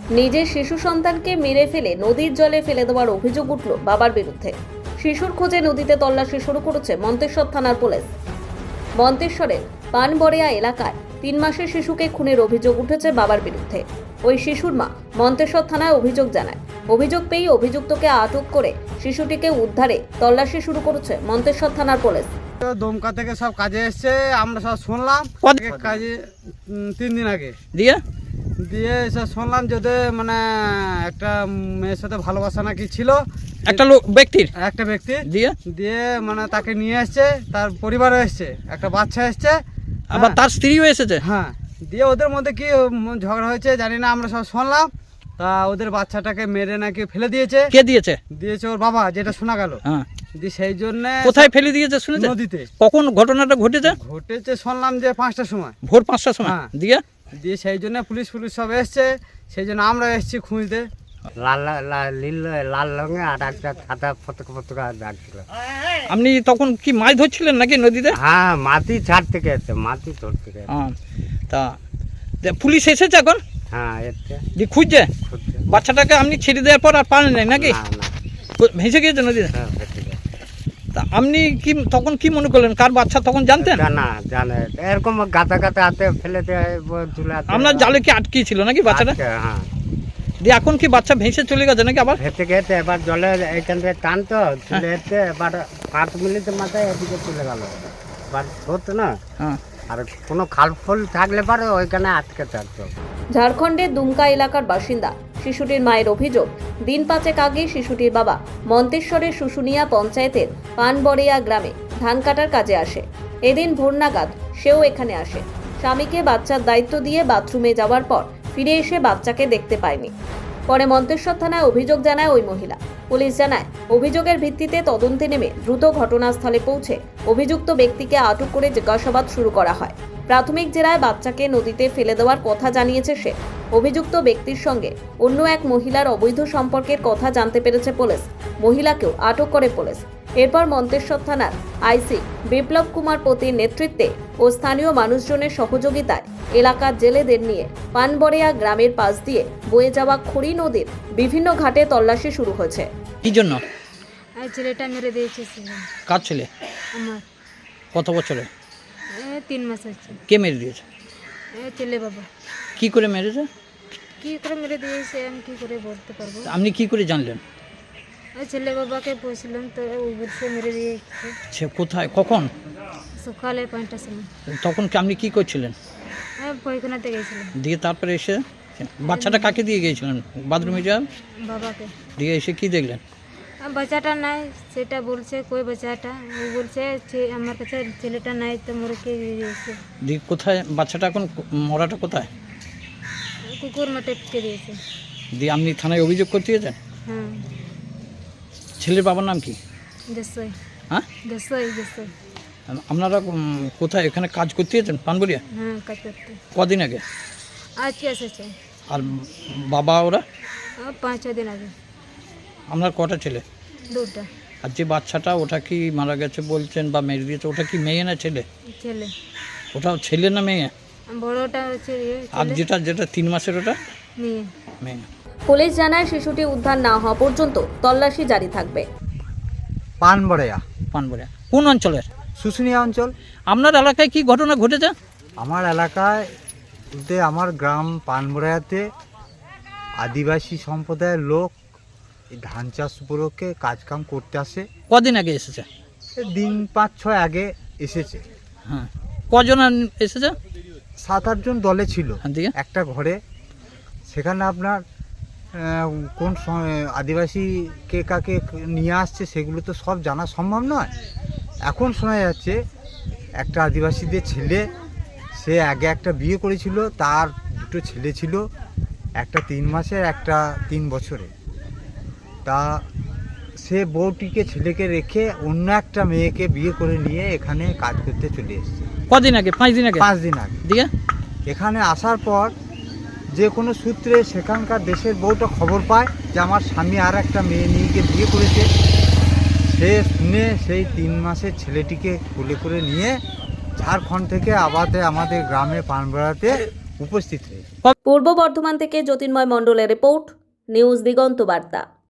নিজের শিশু সন্তানকে মেরে ফেলে নদীর জলে ফেলে দেওয়ার অভিযোগ উঠল বাবার বিরুদ্ধে। শিশুর খোঁজে নদীতে তল্লাশি শুরু করেছে মন্তেশ্বর থানার পুলিশ। মন্তেশ্বরের পানবরেয়া এলাকায় 3 মাসের শিশুকে খুনের অভিযোগ উঠেছে বাবার বিরুদ্ধে। ওই শিশুর মা মন্তেশ্বর থানায় অভিযোগ জানায়। অভিযোগ পেয়ে অভিযুক্তকে আটক করে শিশুটিকে উদ্ধারে তল্লাশি শুরু করেছে মন্তেশ্বর থানার পুলিশ। দমকা থেকে সব কাজে এসছে, আমরা সব শুনলাম কাজে 3 দিন আগে দিয়ে সব শুনলাম যদি মানে একটা মেয়ের সাথে ভালোবাসা নাকি ছিল, একটা লোক একটা ব্যক্তি দিয়ে দিয়ে মানে তাকে নিয়ে এসছে, তার পরিবারও এসছে, একটা বাচ্চা এসছে, আবার তার স্ত্রীও এসেছে। হ্যাঁ, দিয়ে ওদের মধ্যে কি ঝগড়া হয়েছে জানি না, আমরা সব শুনলাম। তা ওদের বাচ্চাটাকে মেরে নাকি ফেলে দিয়েছে। কে দিয়েছে? দিয়েছে ওর বাবা, যেটা শোনা গেল। হ্যাঁ, দিয়ে সেই জন্য কোথায় ফেলে দিয়েছে শুনেছেন? নদীতে। কখন ঘটনাটা ঘটেছে? ঘটেছে শুনলাম যে 5টার সময়, ভোর 5টার সময়। হ্যাঁ। দিয়ে সেই জন্য পুলিশ সব এসছে, সেই জন্য আমরা এসেছি খুঁজতে। লাল রঙে আর একটা সাদা পতাকা দাগ ছিল। আপনি তখন কি মাছ ধরছিলেন নাকি নদীতে? হ্যাঁ, মাটি ছাড় থেকে এসছে, মাটি তোর থেকে। তা পুলিশ এসেছে এখন? হ্যাঁ, এসছে যে খুঁজছে খুঁজছে। বাচ্চাটাকে। আপনি ছেড়ে দেওয়ার পর আর পান নাই নাকি? না, না, ভেসে গিয়েছে নদীতে? হ্যাঁ, ভেসে গেছে। তা আপনি কি তখন কি মনে করলেন? কার বাচ্চা তখন জানতেন? জানে এরকম গাতা গাতা হাতে ফেলে দেয় চলে। আপনার জালে কি আটকে ছিল নাকি বাচ্চাটা? হ্যাঁ, দিয়ে এখন কি বাচ্চা ভেসে চলে গেছে নাকি আবার? ভেসে গেছে। এবার জলে এইখান থেকে টানতো চলে এসছে, এবার 5 মিনিটের মাথায় এদিকে চলে গেল। এবার হতো না, হ্যাঁ। আর কোনো খাল ফুল থাকলে পারে ওইখানে আটকে থাকতো। ঝাড়খণ্ডের দুমকা এলাকার বাসিন্দা শিশুটির মায়ের অভিযোগ, দিন 5 আগে শিশুটির বাবা মন্তেশ্বরের শুশুনিয়া পঞ্চায়েতের পানবরেয়া গ্রামে ধান কাটার কাজে আসে। এদিন ভোর নাগাদ সেও এখানে আসে। স্বামীকে বাচ্চার দায়িত্ব দিয়ে বাথরুমে যাওয়ার পর ফিরে এসে বাচ্চাকে দেখতে পায়নি। পরে মন্তেশ্বর থানায় অভিযোগ জানায় ওই মহিলা। পুলিশ জানায়, অভিযোগের ভিত্তিতে তদন্তে নেমে দ্রুত ঘটনাস্থলে পৌঁছে অভিযুক্ত ব্যক্তিকে আটক করে জিজ্ঞাসাবাদ শুরু করা হয়। প্রাথমিক জেরায় বাচ্চাকে নদীতে ফেলে দেওয়ার কথা জানিয়েছে সে। অভিযুক্ত ব্যক্তির সঙ্গে অন্য এক মহিলার অবৈধ সম্পর্কের কথা জানতে পেরেছে পুলিশ। মহিলাকেও আটক করে পুলিশ। এরপর মন্তেশ্বর থানার আইসি বিপ্লব কুমার পতির নেতৃত্বে ও স্থানীয় মানুষজনের সহযোগিতায় এলাকার জেলেদের নিয়ে পানবরেয়া গ্রামের পাশ দিয়ে বয়ে যাওয়া খড়ি নদীর বিভিন্ন ঘাটে তল্লাশি শুরু হয়েছে। কি জন্য? আর ছেলেটা মেরে দিয়েছে। কার ছেলে? আমার কত বছরে? 3 মাস হচ্ছে। কে মেরে দিয়েছে? ছেলে বাবা। কি করে মেরেছে? কি করে মেরে দিয়েছে আমি কি করে বলতে পারবো? আপনি কি করে জানলেন? ছেলে বাবাকে বলছিলাম তো সে মেরে দিয়েছে। সে কোথায়, কখন? সকালে 5টার সময়। তখন কি আপনি কি করছিলেন? পায়খানাতে গেছিলাম। দিয়ে তারপরে এসে বাচ্চাটা কাকে দিয়ে গিয়েছিলেন? বাথরুমে যান বাবাকে। দিয়ে এসে কি দেখলেন? বাচ্চাটা নাই সেটা বলছে, কই বাচ্চাটা? ও বলছে আমার কাছে ছেলেটা নাই, তো মরে কে দিয়েছে। দিয়ে কোথায় বাচ্চাটা এখন? মরাটা কোথায়? কুকুর মাঠে কে দিয়েছে। দিয়ে আপনি থানায় অভিযোগ করতে গেছেন? হ্যাঁ। ছেলের বাবার নাম কি? দেশই। হ্যাঁ, দেশই। আপনারা কোথায় এখানে কাজ করতে গেছেন পানবরিয়া? হ্যাঁ, কাজ করতে। কদিন আগে? আজকে এসেছে। আর বাবা ওরা? 5-6 দিন আগে। আপনার কটা ছেলে? 2টা। আর যে বাচ্চাটা ওটা কি মারা গেছে বলছেন বা মেরে দিয়েছে, ওটা কি মেয়ে না ছেলে? ছেলে। ওটাও ছেলে না মেয়ে? বড়টা হচ্ছে আর যেটা 3 মাসের ওটা মেয়ে। মেয়ে। পুলিশ জানায়, শিশুটি উদ্ধার না হওয়া পর্যন্ত তল্লাশি জারি থাকবে। পানবরেয়া, পানবরিয়া কোন অঞ্চলের? শুশুনিয়া অঞ্চল। আপনার এলাকায় কি ঘটনা ঘটেছে? আমার এলাকায় বলতে আমার গ্রাম পানবরেয়াতে আদিবাসী সম্প্রদায়ের লোক এই ধান চাষ উপলক্ষে কাজকাম করতে আসে। কদিন আগে এসেছে? দিন 5-6 আগে এসেছে। হ্যাঁ, কজন এসেছে? 7-8 জন দলে ছিল দিয়ে একটা ঘরে। সেখানে আপনার কোন আদিবাসী কে কাকে নিয়ে আসছে সেগুলো তো সব জানা সম্ভব নয়। এখন শোনা যাচ্ছে একটা আদিবাসীদের ছেলে, সে আগে একটা বিয়ে করেছিল, তার 2টো ছেলে ছিল, একটা 3 মাসের, একটা 3 বছরের। তা সে বউটিকে ছেলেকে রেখে অন্য একটা মেয়েকে বিয়ে করে নিয়ে এখানে কাজ করতে চলে এসেছে। কদিন আগে? 5 দিন আগে? 5 দিন আগে। দিয়ে এখানে আসার পর যে কোনো সূত্রে সেখানকার দেশের বউটা খবর পায় যে আমার স্বামী আর একটা মেয়ে নিয়ে গিয়ে বিয়ে করেছে। সে শুনে সেই 3 মাসের ছেলেটিকে কোলে করে নিয়ে ঝাড়খণ্ড থেকে আমাদের গ্রামে পানবরেয়াতে উপস্থিত হয়েছে। পূর্ব বর্ধমান থেকে জ্যোতির্ময় মণ্ডলের রিপোর্ট, নিউজ দিগন্ত বার্তা।